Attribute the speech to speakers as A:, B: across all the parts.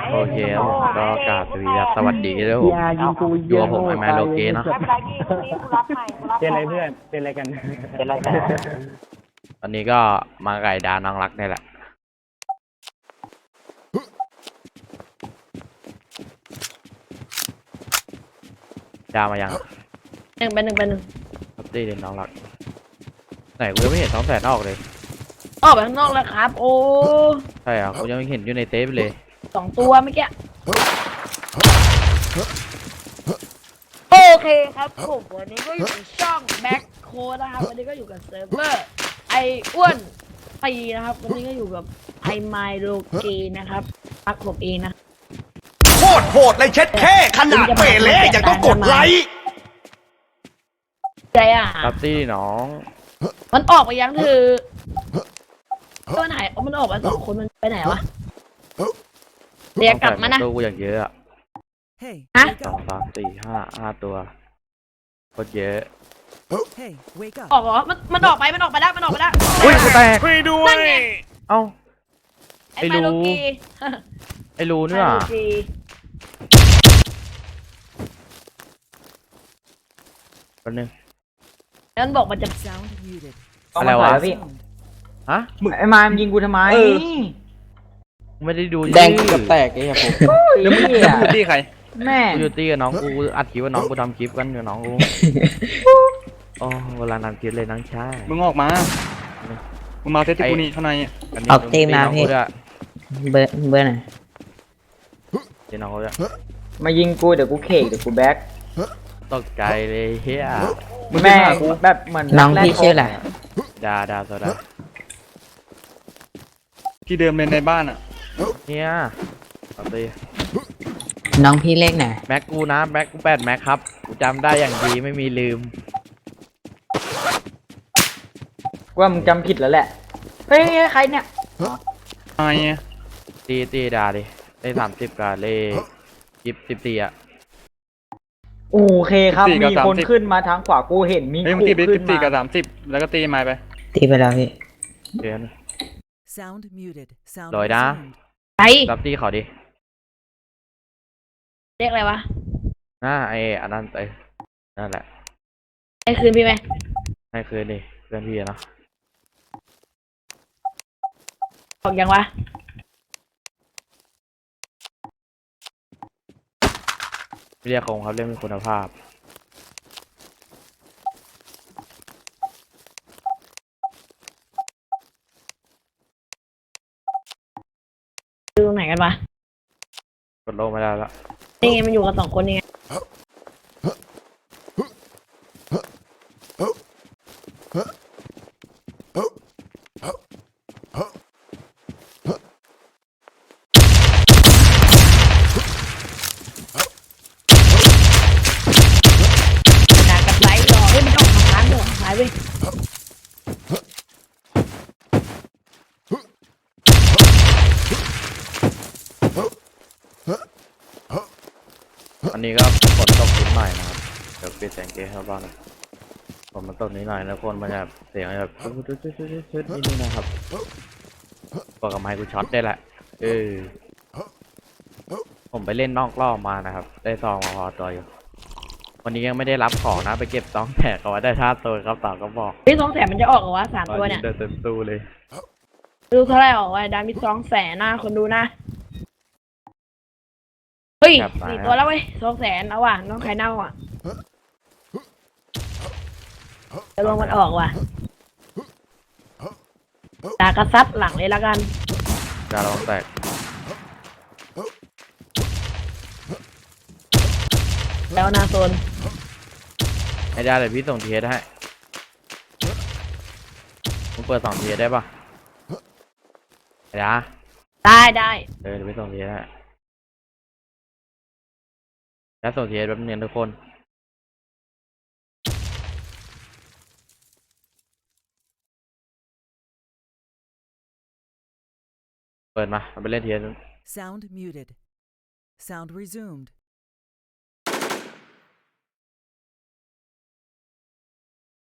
A: โอเคครับผมก็กราบสวัสดีด้วยผมอยู่กับผมไอแมนโลเกเนาะ
B: ไม่เป็นไรพี่พรุ่งนี้กูรับใหม่กูรับ
C: เป็นอะไรเพื่อนเป็นอะไรกัน
B: เป็นไรกัน
A: วันนี้ก็มาไก่ดาน้องรักนี่แหละดามายัง
D: หนึ่งเป็นหนึ่งเป็นหนึ่ง
A: ครับตีเด่นน้องรักไหนกูยังไม่เห็น200,000ออกเลย
D: ออกไปข้างนอกแล้วครับ โอ้
A: ใช่เหรอกูยังไม่เห็นอยู่ในเทปเลย
D: 2 ตัวเมื่อกี้โอเคครับผมวันนี้ก็อยู่ในช่องแบ็คโค้ดนะครับวันนี้ก็อยู่กับเซิร์ฟเวอร์ไออ้วนปีนะครับวันนี้ก็อยู่กับไอไมโลเกนะครับพักผมเองนะ
E: โคตรโหดเลยเช็ดแค่ขนาดเปเล่ยังต้องกดไลค์
D: ใจอ่ะ
A: ครับตีน้อง
D: มันออกไปยังคือมันหายมันออกมา2 คนมันไปไหนวะเรียกกลับมานะ
A: ตัวกูอย่างเยอะอะ
F: Hey,
D: Hả?
F: wake
A: 2
F: up.
A: 3 4 5ตัวโคตรเยอะ
F: Hey, wake
D: อ
F: up.
D: อกเหรอมันออกไปแล้วมันออกไปแล้ว
A: อุ้ยกูแตก
C: ช่วยด้ว
D: นั่
C: ย
D: นไง
A: เอ้า
D: ไอไมโลเก
A: ไอ้รูเนี่ย
D: ไมโลเก
A: แป๊บนึง
D: แล้วมันบอกมันจะ
F: Sound muted.
A: อะไรวะ
C: พี่
A: ฮะ
C: ไอ้มามยิงกูทำไม
A: ไม่ได้ดู
G: แดงกับแตกไอ้ครับผม
C: แล้วมึง
G: แล้วมึงตีใคร
C: แม่
A: กูอยู่ตีกับน้องกูอัดคลิปว่าน้องกูทำคลิปกันกับน้องกูโอ้เวลาทำคลิปเลยน้องชาย
G: มึงออกมา มึงมาเทสที่กูนี่ข้างในอะ
A: นนี้
H: ออกตีมนะพี่
A: น้องกูด้วย
H: เบอร์ไหน
A: ตีน้องกูด้วย
C: มายิงกูเดี๋ยวกูเคกเดี๋ยวกูแบ็ค
A: ตกใจเลยเฮีย
G: มึง
C: แม่
G: แม่กู
C: แบบเหมือน
H: น้องพี่ชื่ออะไร
A: ดาโซดา
G: ที่เดิมเลยในบ้านอ่ะ
A: เฮียเอาตี
H: น้องพี่เลขไหน
A: แม็กกูนะแม็กกู8 แม็กครับกูจำได้อย่างดีไม่มีลืม
C: ว่ามึงจำผิดแล้วแหละเฮ้ยใครเนี่ย
G: ไอ้อะ
A: ตีดาดิได้30กับเลข14อ่ะ
C: โอเคครับมีคนขึ้นมาทางขวากูเห็นมี
G: เฮ้ยมึงตีไป
C: ขึ้น
G: 14
C: มา
G: กับ 30 แล้วก็ตีไม้ไป
H: ตีไปแล้วพี่
A: เดี๋ยว
F: Sound muted. Sound
A: Rồi đã.
F: resumed.
D: ไป
A: รับตีเขาดิ
D: เรียกอะไรวะ
A: ไอ้อันนั้นไอ้นั่นแหละ
D: ให้คืนพี่ไหม
A: ให้คืนดิเพื่อนพี่อะเนาะ
D: บอกยังวะ
A: เรียกคงครับเรื่องมีคุณภาพ
D: ดูตรงไหนกันวะ
A: กดโลงไม่ได้แล้ว
D: นี่ไงมันอยู่กัน2 คนนี่ไงด่ากับไลท์หรอเฮ้ยมันออกทางร้านด้วยหายเว้ย
A: อันนี้ก็ฝนตกนิดหน่อยนะครับเดี๋ยวปิดแสงเกย์เข้าบ้านฝนมันตกนิดหน่อยแล้วคนมันจะเสียงแบบชุดนิดนึงนะครับบอกกับไมค์กูช็อตได้แหละผมไปเล่นนอกรอบมานะครับได้ซองมาพอตัวอยู่วันนี้ยังไม่ได้รับของนะไปเก็บซองแตกเอาไว้ได้ท่าตัวครับต่อก็บอก
D: พี่200,000มันจะออกเหรอวะ3 ตัวเนี่ย
A: เดินเต็มตู้เลย
D: ดูเท่าไหร่ออกวะดามี200,000นะคนดูนะเฮ้ย
A: ครับ
D: 4 ตัวแล้วเว้ย200,000เอาว่ะน้องไข่เน่าอ่ะจะลงมันออกว่ะด่ากระซัดหลังเลยละกัน
A: ดาลองแตก
D: แล้วนาโซน
A: ให้ได้เลยพี่ส่งทีให้มึงเปิด2 ทีได้ปะไอ้ดา
D: ได้ได้
A: เดี๋ยวไปส่งทีให้แล้วส่งทีแป๊บนึงทุกคนเปิดมาเอาไปเล่นที
F: Sound muted. Sound resumed.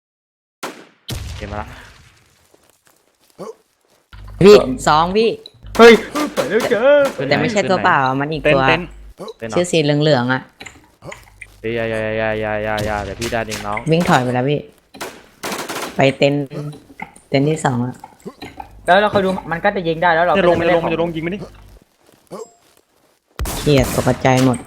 A: เกมมาละ
H: พี่2พี่
C: เฮ้ยไปแล้วเจอ
A: ขึ้นหน
H: แต่ไม่ใช่ตัวเปล่ามันอีก
G: เต้น
H: ตัว
G: เต้น
A: เต้นเหร
H: ชื่อสีเหลืองๆอ่ะ
A: เฮ้ยอย่าเดี๋ยวพี่ได้เองน้อง
H: วิ่งถอยไปแล้วพี่ ไปเต็นท์ที่สองอ่ะ
C: แล้วเราคอยดูมันก็จะยิงได้แล้วเรา
G: จะลงมัน
C: ก็
G: จะล
C: ได้
G: งมันจะลงยิงไม่ดิ
H: เครียดตกใจหมด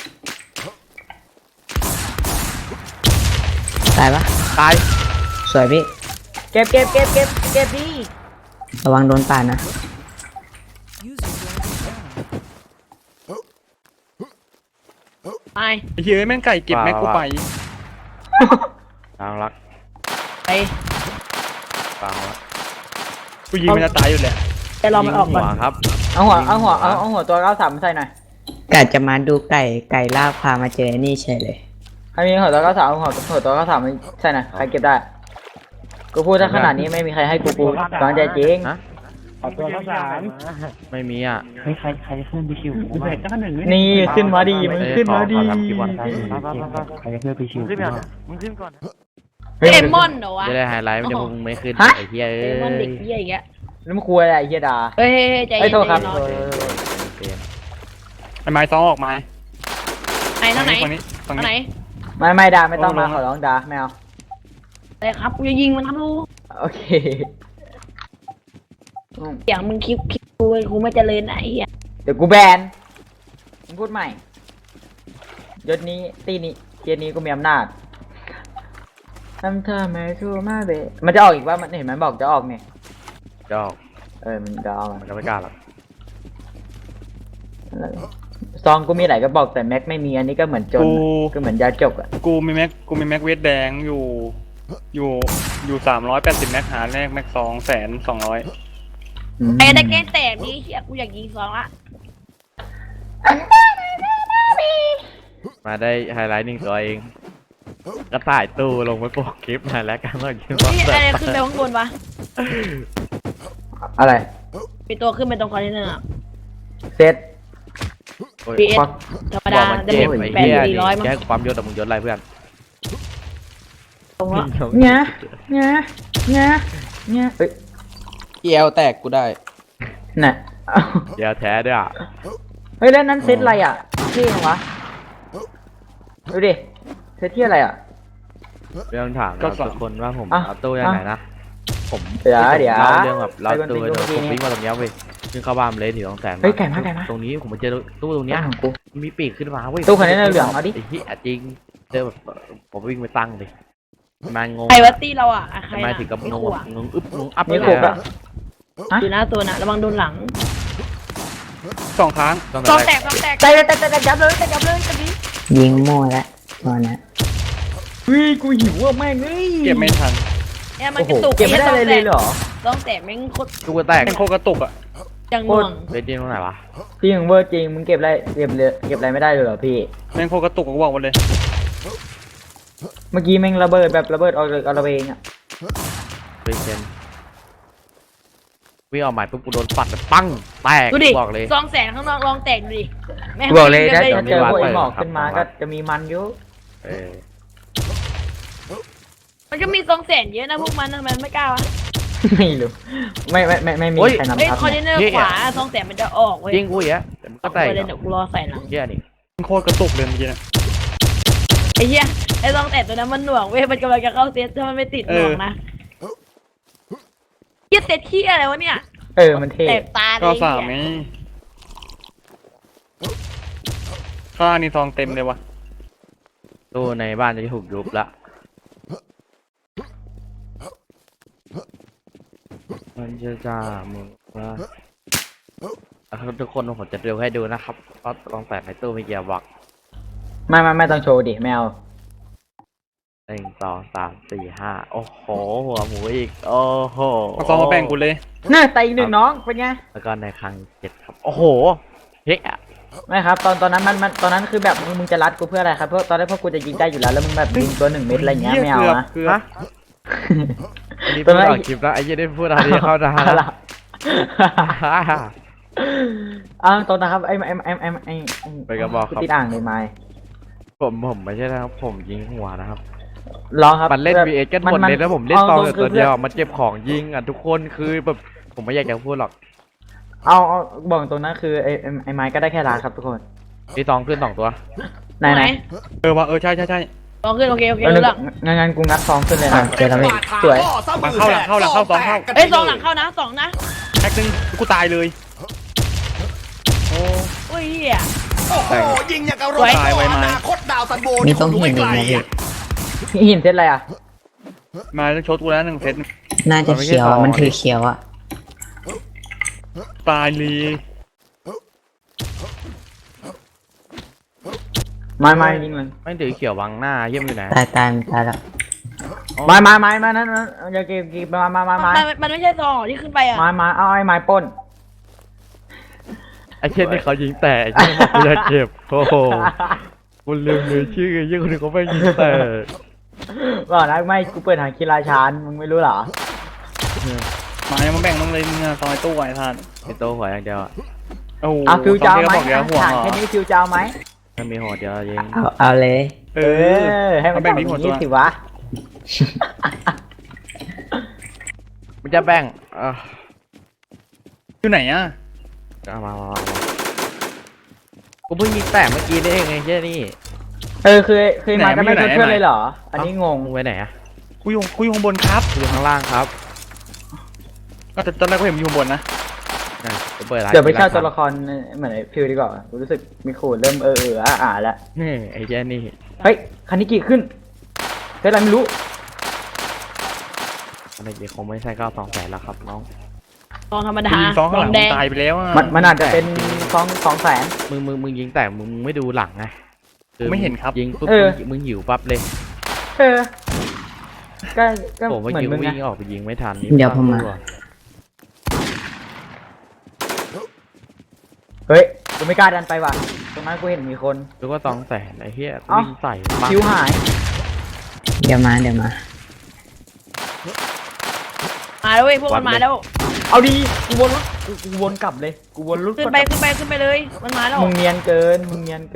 H: ตายปะ
A: ตาย
H: สวยพี่
C: เก็บดี
H: ระวังโดนป่านนะ
F: User joined your channel.
D: ไป
G: ไอ้เหี้ยแม่งไก่เก็บแม็กกูไป
A: ทางรัก
D: ไป
A: ฟังละ
G: กูยิงมันจะตายอยู่แหละ
D: จะรอมันออกก่อน
A: ยิงหัวครับ
C: เอาหัวตัว93ใส่หน่อย
H: กะจะมาดูไก่ลาบพามาเจอไอ้นี่เฉยเลย
C: ใครมีหัวตัว93เอาหัวตัว93ใส่หน่อยใครเก็บได้กูพูดถ้าขนาดนี้ไม่มีใครให้กูตอนใจจริง
A: ฮะ
C: ตัว93
A: ไม่มีอ่ะ
C: นี่ขึ้นมาดีมึงขึ้นมาดี
A: ขอทำคลิปวัน
D: เดมอนเหรอวะ
A: จะได้ไฮไลท์ไม่ได้พวกมึงไม่ขึ้นไอ้เหี้ย
D: เด
A: เอ้
D: มอนเด็ก
A: ย
D: เหี้ยอย่างเงี้ย
C: แล้วมึงคุยอะไรไอ้เฮียดา
D: เฮ้ยใจ
C: ไอ้
D: เย็น
C: โทษครับ
D: ใจ
C: เอ
D: เย็น
C: อ
A: เปลี่ยน
G: ไอ้ไม้ซ้อมออกมา
D: ไหนทางไหน
G: ฝั่งนี้ฝั่ง
D: ทางไหน
G: นี้
C: ไม่ดาไม่ต้องมาขอร้องดาไม่เอา
D: อะไรครับกูจะยิงมันครับลูก
C: โอเค
D: อย่างมึงคลิปกูไม่เจริญไหนอ่ะ
C: เดี๋ยวกูแบนมึงพูดใหม่ยศนี้ตีนี้เทียนี้กูมีอำนาจทำเธอไม่ชูมาเบมันจะออกอีกว่ามันเห็นมันบอกจะออกเนี่ย
A: จอก
C: มันจะออก
A: มันก็ไม่กล้าหรอก
G: ๆ
C: ซองกูมีหลายกระบอกแต่แม็กไม่มีอันนี้ก็เหมือนจนก็เหมือนยาจกอ่ะ
G: กูมีแม็กเวทแดงอยู่380แม็กหาแรกแม็ก200,200
D: ไอ้ได้แก้แตกนี่เฮียกูอยากยิงสองละ
A: มาได้ไฮไลท์หนึ่งตัวเองก็ถ่ายตู้ลงไปโปกคลิปหน่อยแล้วกันว่าคิดว่า
D: นี่อะไรขึ้นไปข้างบนวะ
C: อะไร
D: มีตัวขึ้นไปตรงคอนเทนเนอร์อะ
C: เซต
A: โอ้ย
D: PS ธรรม
A: บอ
D: ดาก
A: มัน
D: จะ
A: เจ็บ
D: เป็น
A: ไอ้
D: แปด
A: เหี้ย
D: สี่ร้อยมั้ง
A: แค่ความยศแต่มึงยศอะไรเพื่อน
D: ตรงละ
C: เนี่ยเฮ้ย
I: เอลแตกกูได้
C: น่ะ
A: เดี๋ยวแท้ด้วยอ่ะ
C: เฮ้ยแล้วนั้นเซตอะไรอ่ะเท่จังวะดูดิเซตที่อะไรอ่ะ
A: เรื่องถาม
G: ก็
A: เรา
G: สอง
A: ทุกคนว่าผม
C: อ่ะ
A: เอาตู้ยังไงนะผม
C: เดี๋ยว
A: เล่าเรื่องแบบเรา
C: ไปบน
A: ตู้
C: บิน
A: เดี๋ยว
C: เมื่อกี้
A: ผม
C: นี้
A: วิ่งมาตรงเนี้ยเว้ยซึ่งเข้าบ้านเลยถือ200,000
C: เฮ้ยไก่มา
A: ตรงนี้ผมมาเจอตู้ตรงเนี้ย
C: ของกู
A: มีปีกขึ้นมาเว้ย
C: ตู้คันนี้เหลืองเอาดิ
A: ไอ้ที่จริงเจอแบบผมวิ่งไปตั้งเลยมันงง
D: ใครวัตตี้เราอ่ะใคร
A: ทำไม
D: น่ะ
A: ถึงกับ
D: ไม่
A: งง
D: ขู่
A: แบบ
D: อะ
A: งงอึ๊บงงอัพ
C: นี่
A: เลย
C: ขบอะ
D: อยู่หน้าตัวน่ะระวังโดนหลัง
G: 2 ครั้ง
A: ต้อง
D: ซอง
A: แต
D: แต
A: ก
D: กซองแตก
C: แต่ยับเลยตอนนี้
H: ยิงมั่วแล้วตอนนี้
C: เฮ้ยกูหิวอ่ะแม่งเอ้ย
G: เก็บไม่ทัน
D: เนี่ยมันกระตุก
C: เก็บไม่ได้เลยเหรอ
D: ซองแตกแม่งโคตร
A: ตู้ก็แตก
G: แม่งโคตรกระตุกอ่ะ
D: จังหน่วง
A: เบสดิ้งตรงไหนวะ
C: จริงเวอร์จริงมึงเก็บอะไรไม่ได้เลยเหรอพี่
G: แม่งโคตรกระตุกกูบอกหมดเลย
C: เมื่อกี้แม่งระเบิดแบบระเบิดเอาเลยเอาระเบงอ่ะ
A: เบสเซนวิ่งออกหมายปุ๊บกูโดนปัดแบบปังแตก
D: ดูดิ
A: บอกเลย
D: ซองแสนข้างนอกลองแตกดูดิแม่ง
C: บอกเลย
D: วิ่ง
C: ถ้า
D: กัน
C: เจอพวก
A: เปิ
C: ไอ้
A: ด
C: หมอก
A: ครับ
C: ขึ้นมาก็จะมีมันอยู่
A: เออ
D: มันก็มีซองแสนเยอะนะพวกมันทำไมไม่กล้าวะ
C: ไม่รู้ไม่มีใครนำ
D: เฮ้ย
C: ทับ
D: คอนเทนเนอร์
C: เนี่ย
D: ขวาซองแสนมันจะออกเว้ย
A: ยิงกูอีกอะแต่มันก็แตก
D: เอาไปเลยเดี๋ยวกูรอใส่หลัง
A: เหี้ยนี่
G: แม่งโคตรกระตุกเลยเมื่อกี้นะ
D: ไอ้เหี้ยไอ้ซองแตกตัวนั้นมันหน่วงเว้ยมันกำลังจะเข้าเซตถ้ามันไม่ติดหน่วงนะเหี้ยเซตขี้อะไรวะเนี่ย
C: มันเท่
D: แตกตาเล
G: ก็
D: ย
G: 3ไงข้างนี่ทองเต็มเลยวะ
A: ตู้ในบ้านจะถูกยุบละมันจะจ่ามึงว่าทุกคนผมจะเร็วให้ดูนะครับก็ลองแตกในตู้ไม่เกี่ยวบอก
C: ไม่ต้องโชว์ดิแมว
A: 1 2 3 4 5โอ้โหหัวหมูอีกโอ้โห
G: เอาซองมาแบ่งกูเลย
C: น่าแต่อีกหนึ่งน้องเป็นไง
A: แล้วก็ในครั้ง7ครับโอ้โหเฮ้ย
C: ไม่ครับตอนนั้นมันตอนนั้นคือแบบมึงจะรัดกูเพื่ออะไรครับเพราะตอนแรกพวกกูจะยิงได้อยู่แล้วแล้วมึงแบบยิงตัว1 เม็ดอะไรเงี้ยไม่เอานะ
G: เกือบ
A: ฮะอันนี้พูดออกคลิปแล้วไอ้ยี่ได้พูดอะไรเข้าทางแล้ว
C: ตอนนะครับไอ้
A: ไปกระบอกครับ
C: ติดอ่างเลยไม้
A: ผมไม่ใช่นะครับผมยิงหัวนะครับ
C: รอครับ
A: มันเล่น VS กันหมดเลยแล้วผมเล่นตองแต่ตัวเดียวมันเจ็บของยิงอ่ะทุกคนคือแบบผมไม่อยากจะพูดหรอก
C: เอาบอกตรงนั้นคือไอ้ไม้ก็ได้แค่ล้านครับทุกคน
A: พี่ตองขึ้น2 ตัว
C: ไหนไหน
G: เออว่ะเออใช่ใช่ใช่
D: ลองขึ้นโอเคโอเค
C: แล้ว
D: รู้เรื่อง
C: งั้นกูงัดซองขึ้นเลยนะ
H: เจอแล้วพี่
C: สวย
G: หลังเข้าหลังเข้าหลังเข้าสองเข้า
D: เอ้ยสองหลังเข้านะสองนะ
G: แท็กนึงกูตายเลย โอ้
D: อุ้ยเหี้ย
E: โอ้โหยิงอย่างกับรถ
G: ตายไวไหม
E: อนาคตดาวซันโบ
H: มีต้อง
E: ดู
H: เห็นอี
E: ไก
H: ก
E: ล
H: นะพี่
E: อะ
C: หินเซตอะไรอ่ะ
G: มาต้องชดกูแล้ว1 เซต
H: น่าจะเขียวอะมันถือเขียวอะ
G: ตายเลย
C: ไม้ยิงเลย
A: ไม่ถือเขียวบังหน้าเยี่ยมอยู่ไหน
H: ตายตายมันตายแล้ว
C: ไม้นั้นอย่าเก็บไม้
D: มันไม่ใช่ซองหรอที่ขึ้นไปอ่ะ
C: ไม้เอาไอ้ไม้ป้น
A: ไอ้เช่นนี่เขายิงแต่ไอ้เช่นบอกกูจะเจ็บโอ้โหกูลืมเลยชื่อไอ้เหี้ยคนนึงเขาไม่ยิงแต่
C: บอกนะไม่กูเปิดหางคีราชานมึงไม่รู้เหรอ
G: หมายังมาแบ่งมึงเลยมึงอะซอยตู้ไอ้ท่าน
A: ไอ้โตหัวอย่างเดียวอะ
G: โอ้โห
C: เอาฟิวเจ้าไหม
G: บอกเดี๋ยวห่วง
C: หาง
G: เหรอ
C: แค่นี้ฟิวเจ้าไหม
A: ไม่มีหัวเดียวยิง
H: เอาเลย
G: เอ
C: เอ
G: อ
C: อให้มัน
G: เอาแบ่
C: แบ่
G: ง
C: ง
G: นี้
C: นี้
G: หมดตัว
C: สิวะ
A: มันจะแบ่ง
G: อยู่ไหนอะ
A: มากูเพิ่งยิงแต่เมื่อกี้นี่เองไอ้เช่นนี่
C: คือมาจะไม่ช่วยเพื่อนเลยเหรอ อันนี้งง
A: มึงไว้ไหนอะ
G: กูอยู่ข้างบนครับ
A: อยู่ข้างล่างครับ
G: ก็ตอนแรกกูเห็นมึงอยู่ข้างบนนะ
A: นะกูเปิดร้าน
C: เดี๋ยวไปเช่าตัวละครเหมือนไอ้ฟิวดีกว่ากูรู้สึกมีขูดเริ่มแล้ว
A: นี่ไอ้เช่นนี่
C: เฮ้ยคันนี้กี่ขึ้นเฮ้ยอะไรไม่รู้
A: อะไรเงี้ยคงไม่ใช่9 2 แสนแล้วครับน้อง
D: ซองธรรมดา
G: กูยิงซองข้างหลัง
D: แด
G: มึ
D: ง
G: งตายไปแล้วอะ
C: มันอาจจะเป็น2 แสน
A: มึงยิงแต่มึงไม่ดูหลังไงคือ
G: ไม่เห็นครับ
A: ยิงปุ๊บ
C: เออ
A: มึงหิวปั๊บเลย
C: เออก็
A: ผมเมื่อ
C: เหมือน
A: กี้
C: มึง
A: วิ่
C: ไง
A: งออกไปยิงไม่ทัน
H: เดี๋ยวผมมา
C: เฮ้ยกูไม่กล้าดันไปว่ะตรงนั้นกูเห็นมีคน
A: ดูว่า2 แสนไอ้เหี้ยกู
C: เอ้า
A: วิ่งใส่ปั๊บ
C: คิวหาย
H: เดี๋ยวมา
D: มาแล้วเว้ยพวกมันมาแล้ว
C: เอาดีกูวนรถกูวนกลับเลยกูวนรถ
D: ขึ้นไปเลยมันมาแล้ว
C: มึงเนียนเกิน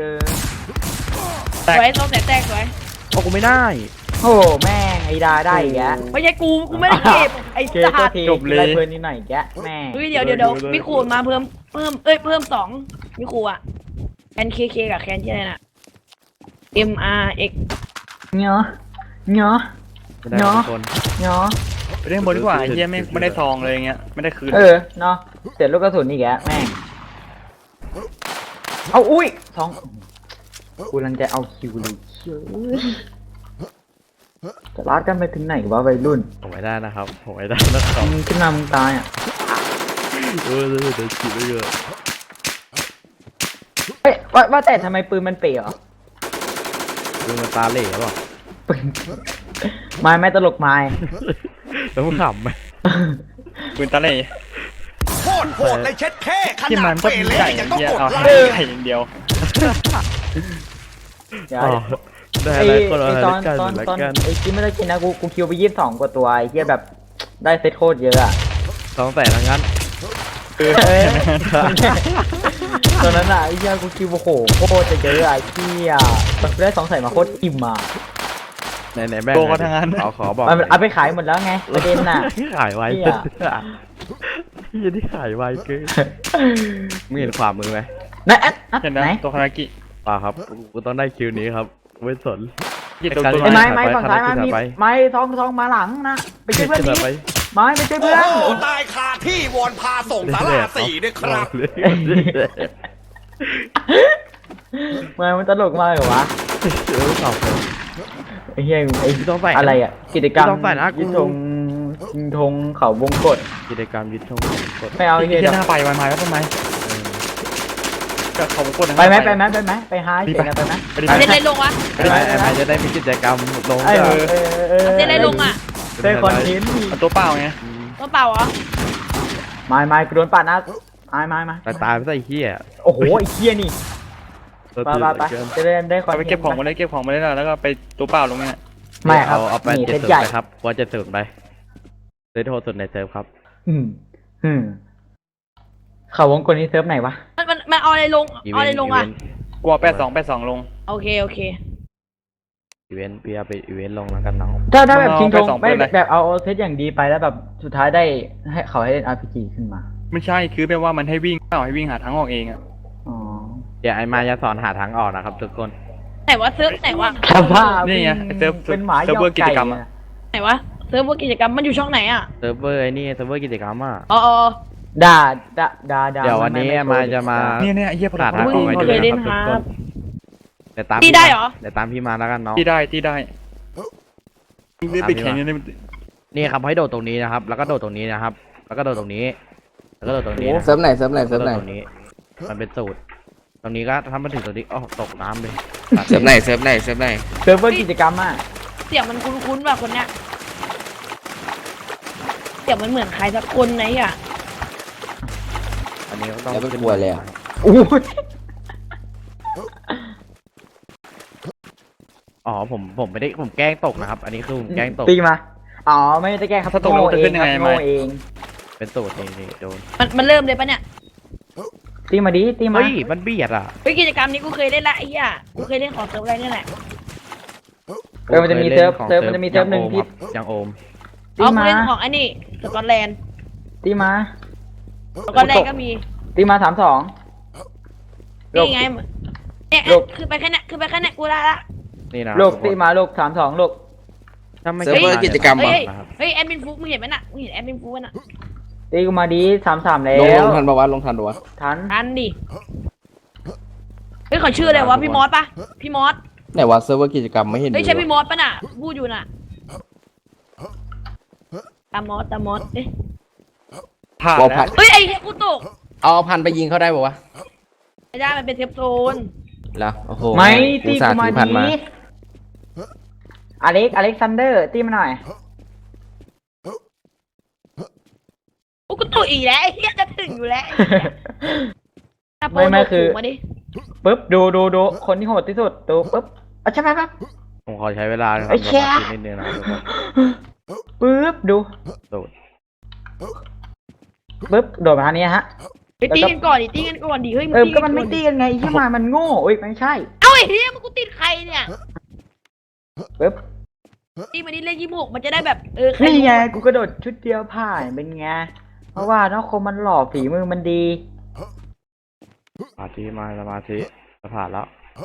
D: สวยซองแสนแตกสวย
A: โอ้กูไม่ได้
C: โอ้แม่งไอ้ดาได้อีกแก
D: ไม่ใช่กูไม่ได้เก็บไอ้
C: เก
D: สั
C: ก็
D: ตว์
C: ที
G: จบเลย
C: ได้เพลินนิดหน่อยแกแม่ง
D: เฮ้ยเดี๋ยวมีขูดมาเพิ่ม2มีขูดอ่ะแคนเคกับแคนที่อะไรน่ะ MRX
C: เนาะ
A: ไม่ได้
C: เนาะ
A: ทุกคน
G: ไปเล่นข้างบนดีกว่าไอ้เหี้ยไม่ได้ซองเลยอย่างเงี้ยไม่ได้คืน
C: เนาะเสร็จลูกกระสุนอีกแกแม่งเอาอุ้ยกูกำลังจะเอาคิวเลยเชื่อจะลาดกันไปถึงไหนวะวัยรุ่น
A: ผมไม่ได้นะครับผมไม่ได้นะครับ
C: มึงขึ้นมามึงตายอ่ะ
A: เดี๋ยวขีดไว้เยอะ
C: เฮ้ยว่าแต่ทำไมปืนมันเป๋เหรอ
A: ดูมันตาเหล่หรือเปล่า
C: ปืนไม่ตลกไม้
A: แล้วมึงขำไหม
G: ปืนตะเล่
E: โคตรโหดเลยเช็ดแค่ข
G: ที่
E: นา
G: มั
E: ด
G: นก็
E: เป
G: มี
E: เล่
G: ไก่
E: ยัง
G: เหี้
E: ต้อง
G: ย
E: กด
G: เอา
E: ไล
G: ให้
E: ค์
G: ไก่อย่างเดียว
C: เดี๋ยว
A: อ๋อได้
C: ไอ้
A: อะไรคนละ
C: ไอ้
A: อะไร
C: ตอน
A: กัน
C: ตอน
A: ละกัน
C: ไอ้ที่ไม่ได้กินนะกูคิวไป22 กว่าตัวไอ้เหี้ยแบบได้เซตโคตรเยอะอ่ะ
A: 2 แสนทั้งนั้น
C: เอ้ยตอนนั้นอ่ะไอ้เหี้ยกูคิวโอ้โหโคตรจะเยอะอะไอ้เหี้ยตอนกูได้2 แสนมาโคตรอิ่มอ่ะ
A: ไหนแม่ง
G: โตกันทั้งนั้น
A: ขอบอก
C: มันเอาไปขายหมดแล้วไงประเด็นน่ะ
A: ขายไว
C: เหี้ย
A: ยี่ที่ขายไวเกินมึงเห็นความมือไหม
C: ไหนแอด
G: เห็นนะ
C: ไหน
G: ตัวคารากิ
A: เปล่าครับกูต้องได้คิวนี้ครับไม่สน
G: หยิบตัว
A: ไอ้
G: ตัว
C: ไอ้
A: ไ
C: ไม้ไม้ฝั่งซ้ายมามี
A: ไป
C: ไม้ทองมาหลังนะไปช่วยเพื่อน
A: ขึ้
C: นี้
A: ไป
C: ไม้ไปช่วยเพื่อน
E: โอ้ตายคาที่วอนพาส่งสาราสี่ด้วยครับ
C: มันตลกมากเหรอวะ
A: เออตอบเลย
C: ไอ้เหี้ยไอ้
A: พี่ต้องใส่
C: อะไรอ่ะกิจกรรม
A: ต้องใส่นะกู
C: ยิงธงเขาวงกฏ
A: กิจกรรมยึดธงกด
C: ไม่เอาไอ้
G: ที่
C: เหี้ย
G: หน้าไปวันไม้แล้วทำไมก็เขาพูดนะ
C: ไปไหมไปหาเสียงกันไปไหม
G: ไปดิ
D: เล่นอะไรลงวะ
A: ไอ้ไม้จะได้มีกิจกรรมลง
C: เออ
D: เล่นอะไรลงอ่ะ
C: ได้คอนเทนต์
G: เอาตัวเปล่าไง
D: ตัวเปล่าเหรอ
C: ไม่กูโดนปาดนะไม้
A: ตายไปใส่เหี้ย
C: โอ้โหไอ้เหี้ยนี่ไปจะได้คอน
G: เอา
C: เทนต์
G: ไปเก็บของมาเลยเก็บของมาเลยแล้วก็ไปตัวเปล่าลงเนี่ย
C: ไม่ครับ
A: เอาไป
C: นี่
A: เจ็
C: เซ
A: ด
C: ต
A: สุด
C: ใหญ่
A: ไปครับว่าจะสุดไปเซตโทษสุดในเซิร์ฟครับ
C: เขาวงกลนี้เซิร์ฟไหนวะ
D: มันเอาอะไรลงเอาอะไรลงอ่ะ
G: กลัว82ลง
D: โอเค
A: อีเวนต์พี่เอาไปอีเวนต์ลงแล้วกันน้อง
C: ถ้าแบบ
G: เอา
C: ชิงธง
G: ไปสอง
C: ไม่
G: ปืนเลย
C: แบบเอาเซตอย่างดีไปแล้วแบบสุดท้ายได้ให้เขาให้เล่น RPG ขึ้นมา
G: ไม่ใช่คือแปลว่ามันให้วิ่งเปล่าให้วิ่งหาทางออกเองอะ
C: อ๋อ
A: เดี๋ยวไอ้มาจะสอนหาทางออกนะครับทุกคน
D: ไหนวะเซิร์ฟไหนวะ
C: สภาพ
G: นี่ไงไอ้เซิร์ฟ
C: เป็นหมา
G: เซิร์ฟเวอร์กิจกรรม
C: อะ
G: อะ
D: ไหนวะเซิร์ฟเวอร์กิจกรรมมันอยู่ช่องไหนอ่ะ
A: เซิร์ฟเวอร์ไอ้นี่เซิร์ฟเวอร์กิจกรรมอ่ะ
D: อ๋อ
C: ด่า
A: เดี๋ยววันนี้มาจะมา
G: เนี่ยไอ้เหี้ยพ
A: หา
G: ลั
A: ทางออกไป
D: มึ
A: ดู
D: งเคยเล่
A: นะ
D: น
A: ครับทุก
D: ครั
A: ค
D: บ
A: นเดี๋ยวตาม
D: ตีได้เหรอ
A: เดี๋ยวตามพี่มาแล้วกันน้อง
G: ที่ได้นี่ไปแข่งนี่
A: นี่ครับให้โดดตรงนี้นะครับ แล้วก็โดดตรงนี้นะครับ แล้วก็โดดตรงนี้ แล้วก็โดดตรงนี้นะ
I: เซิร์ฟไหนเซิร์ฟไหนเซิร์ฟไหน
A: แล้วก็โดดตรงนี้ มันเป็นสูตร ตรงนี้ก็ถ้ามันถึงตรงนี้อ๋อตกน้ำเลยตัด
I: เซิร์ฟไหนเซิร์ฟไหนเซิร์ฟไหน
C: เซิร์ฟเวอร์กิจกรรมอ่ะ
D: เสียงมันคุ้นๆว่ะคนเนี้ยเสียงมันเหมือนใครสักคนไหนอ่ะ
A: อันนี้ก็ต้อง
I: แล้วไม่กลัวเลยอะ
C: อู้ย
A: อ๋อผมไม่ได้ผมแกล้งตกนะครับ อันนี้คือผมแกล้งตก
C: ตีมา อ๋อ ไม่ได้แกล้งครับ
G: ถ้าตกแล้วจะขึ้นยังไง
C: โง่เอง
A: เป็นสูตรนี่โดน
D: มันเริ่มเลยปะเนี่ย
C: ตีมาดิตีมา
A: เฮ้ยมันเบียดอ่ะ
D: เฮ้ยกิจกรรมนี้กูเคยเล่นละไอ้เหี้ยกูเคยเล่นของเซิร์ฟอะไรนี่แหละ
C: มันจะมีเซิร์ฟมันจะมีเซิร์ฟหนึ่งที่
A: ยังโอม
C: ตี
D: อ๋อกู
C: มา
D: เล่นของไอ้นี่สกอตแลนด์
C: ตีมา
D: สกอตแลนด์ก็มี
C: ตีมา32
D: นี่ไงเนี่ย
C: ลูก
D: คือไปแค่เนี้ยคือไปแค่เนี้ยกูได้ละ
A: นี่นะ
C: ลูกตีมาลูก32ลูก
A: ถ้าไม่
I: เซิร์ฟเวอร์กิจกรรม
D: เฮ้
I: เหรอย
D: เฮ้ยแอดมินฟุกมึงเห็นไหมน่ะมึงเห็นแอดมินฟุกน่ะ
C: ตีกูมาดิ33แล้
I: ลง
C: ว
I: ทันปะวะลงทันปะวะ
C: ทัน
D: ทันดิเฮ้ยเขาชื่ออะไรวะพี่มอสปะพี่มอส
I: ไหนวะเซิร์ฟเวอร์กิจกรรมไม่เห็น
D: เฮ้ย
I: มี
D: ใช่
I: วะ
D: พี่มอสปะน่ะพูดอยู่น่ะตามอสเอ๊ะ
G: ผ่าน
I: วอล
G: แล้
I: พั
G: วน
D: เฮ้ยไอ้เหี้ยกูตก
I: เอาพันไปยิงเขาได้ปะวะ
D: ไม่ได้มันเป็นเทปโซน
I: แล้วโอ้โห
C: ไม่
I: อุ
C: ตี
I: ตส่า
C: กู
I: ห์
C: มา
I: ถือพัน
C: ดิ
I: มา
C: อเล็กซานเดอร์ตีมาหน่อย
D: โอ้กูตกอีกแล้วไอ้เหี้ยจะถึงอยู่แล้ว
C: ไม่คือ
D: มาดิ
C: ปึ๊บดูคนที่โหดที่สุดดูปึ๊บอ่ะใช่ไหมครับ
A: ผมขอใช้เวลานะครับ
C: ไอ้แค่
A: สมาธินิดนึงนะครับทุกคน
C: ปึ๊บดู
A: โดด
C: ปึ๊บโดดมาทางนี้ฮะ
D: ไปตีกันก่อนดิตีกันก่อนดิเฮ้ย
C: ก็มันไม่ตีกันไงไอ้ที่มามันโง่เอ้ยไม่ใช่
D: เอ้าไอ้เหี้ยมันกูติดใครเนี่ย
C: ปึ๊บ
D: ตีมาดิเลข26มันจะได้แบบใคร
C: นี่ไง
D: รู้
C: กูกระโดดชุดเดียวผ่านเป็นไงเพราะว่าน้องคมมันหล่อฝีมือมันดี
A: สมาธิมาสมาธิจะผ่านแล้ว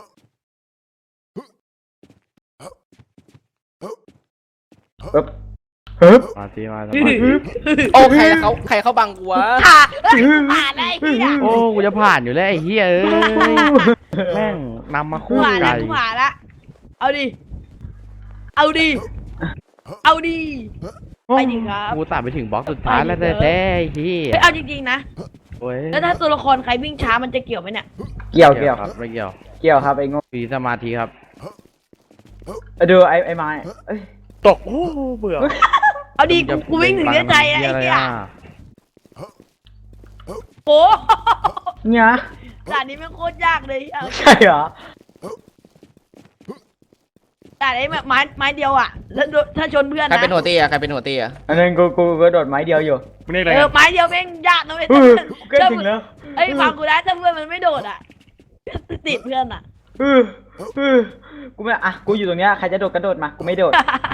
C: ปึ๊บปึ๊บ
A: สมาธิมาสมาธิ
I: โอ้ใครเขาบังกูวะ
D: ผ่านผ่านได้ไอ้เหี้ย
A: โอ้กูจะผ่านอยู่แล้วไอ้เหี้ยเอ้ยแม่งนำมา
D: กู
A: คู่
D: ผ่าน
A: ไกล
D: ละกูผ่านละเอาดิเอาดิเอาดิไปดิครับ
A: กูตัดไปถึงบล็อกสุดท้ายแล้วแท้ๆไอ้เหี้ย
D: เฮ้ยเอาจริงๆนะ
A: โอ้ย
D: แล้วถ้าตัวละครใครวิ่งช้ามันจะเกี่ยวไหมเนี่ย
C: เกี่ยว
A: ครับไม่เกี่ยว
C: เกี่ยวครับไอ้โง่
A: มีสมาธิครับ
C: ดูไอ้ไม้เอ้ย
G: ตกโอ้เบื่อ
D: เอาดิ
A: จะ
D: กูวิ่งถึงเนื้อใจอะไอ้
A: อะไร
D: เหี้ย
A: อ่ะ
D: โอ้
C: เนี่ย
D: ด่านนี้มันโคตรยากเลยเอา
C: ใช่เหรอ
D: ด่านไอ้ไม้เดียวอ่ะแล้วถ้าชนเพื่อน
I: ใคร
D: นะ
I: เป็นหัวตีอะใครเป็นหัวตีอะ
C: อันนั้นกูโดดไม้เดียวอยู่
G: มึงเรียกอะไร
D: ไม้เดียวแม่งยากนะเว้ย
C: ใกล้ถึงแล้ว
D: เอ้ยฟังกูนะถ้าเพื่อนมันไม่โดดอ่ะติดเพื่อนอ่ะ
C: กูไม่กูอยู่ตรงเนี้ยใครจะโดดกระโดดมากูไม่โดด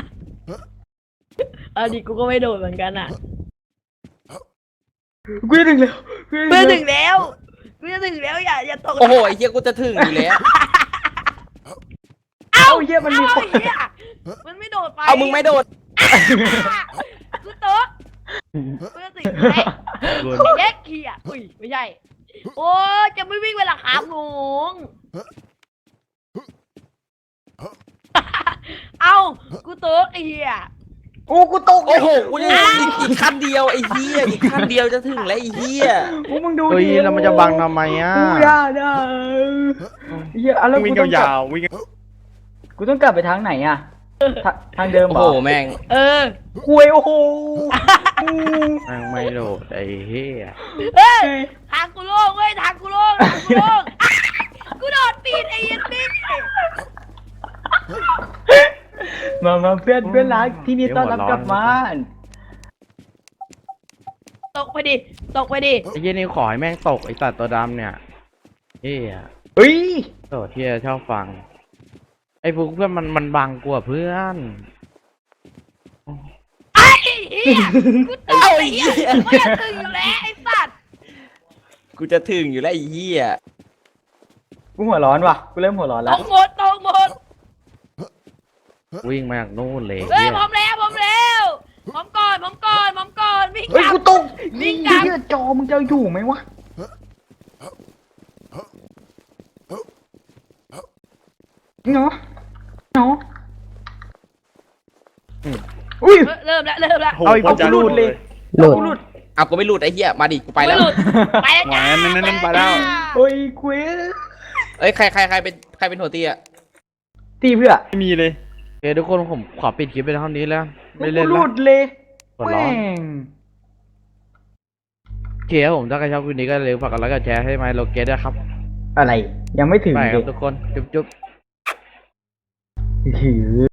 D: ดิกูก็ไม่โดดเหมือนกันอ่ะ
C: กูจะถึงแล้ว
D: เพื่อนถึงแล้วกูจะถึงแล้วอย่าตก
I: โอ้โหไอ้เหี้ยกูจะถึงอยู่แล้ว
C: เอ้าเหี้ยมันมี
D: เอ้า
C: คน
D: ไอ้เหี้ยมันไม่โดดไป
I: เอามึงไม่โดด
D: กูโต๊ะกูจะถึงแล้วไอ้เด็กขี้อ่ะอุ้ยไม่ใช่โอ้จะไม่วิ่งเวลาขาหงงเอ้ากูโต๊ะไอ้เหี้ย
C: กูตก
I: โอ้โหกูจะอีกขั้นเดียวไอ้เหี้ยอีกขั้นเดียวจะถึงแล้วไอ้เหี้ย
C: มึงดู
A: เฮ้ย
C: ดิ
A: แล้วมันจะบังทำไมอ่ะ
C: กูอย่าได้เหี้ยแล้ว
G: วิ่ง
C: กูต้องกลั
G: ยา
C: บ
G: วๆวิ่ง
C: กูต้องกลับไปทางไหนอ่ะทางเดิม
I: โอ้
C: เหร
I: โห
C: อ
I: แม่ง
C: คุยโอ้โห
A: แม่งไม่โดดไอ้เหี้ย
D: เฮ้ยทางกูโล่งเว้ยทางกูโล่งทางกูโล่งกูโดดปีนไอ้ยันนี่
C: มาเพื่อนรักที่นี่ต้อนรับกลับบ้าน
D: ตกไปดิตกไปดิ
A: ไอ้เหี้ยนี่ขอให้แม่งตกไอ้สัตว์ตัวดำเนี่ยเหี้ย
C: เฮ้ย
A: โตเที่ยชอบฟัง ไอ้พวกเพื่อนมันบังกว่าเพื่อน
D: ไอ้เหี้ยกูตกไอ้เหี้ยไม่อยากตื่นอยู่แล้วไอ้สัตว์
I: กูจะถึงอยู่แล้วไอ้เหี้ย
C: กูหัวร้อนว่ะกูเริ่มหัวร้อน
D: ต
C: แล้ว
D: กหมดตกหมด
A: วิ่งมาจากนู่นเลย
D: เฮ้ย
A: เหี้ย
D: พร้อมแล้วพร้อมแล้วพร้อมก่อนพร้อมก่อนพร้อมก่อนวิ่ง
C: เฮ้ย
D: กลับ
C: กูตก
D: วิ่งกลับ
C: เหี้ยจอมึงจะอยู่ไหมวะเนาะเนาะอุ้ย
D: เริ่มแล้วเริ่มแล้ว
G: โอ้โห
C: เอาอีก
G: พ่อจะ
C: กูหลุดเลย
H: หลุด
C: กูหลุด
I: เอากูไม่หลุดไอ้เหี้ยมาดิกูไป
D: ไม่
I: แล้ว
D: หลุดไปแล้วจ้า
G: แหวนนั่นไปแล้ว
C: โอ้ยเควส
I: เอ้ยใครเป็นหัวตีอะ
C: ตีเพื่อ
G: ไม่มีเลย
A: โอเคทุกคนผมขอปิดคลิปไปเท่านี้แล้ว ไม่เล่น
C: กูห
A: แล้
C: ลุ
A: ว
C: ดเลย
A: หัวร้อน
C: แม่ง
A: โอเคครับผมถ้าใครชอบคลิปนี้ก็อย่าลืมฝากกดไลค์กดแชร์ให้ไมโลเกตด้วยครับ
C: อะไรยังไม่ถึง
A: ไปค
C: เล
A: รับ
C: ย
A: ทุกคนจุ๊บ
C: ถือ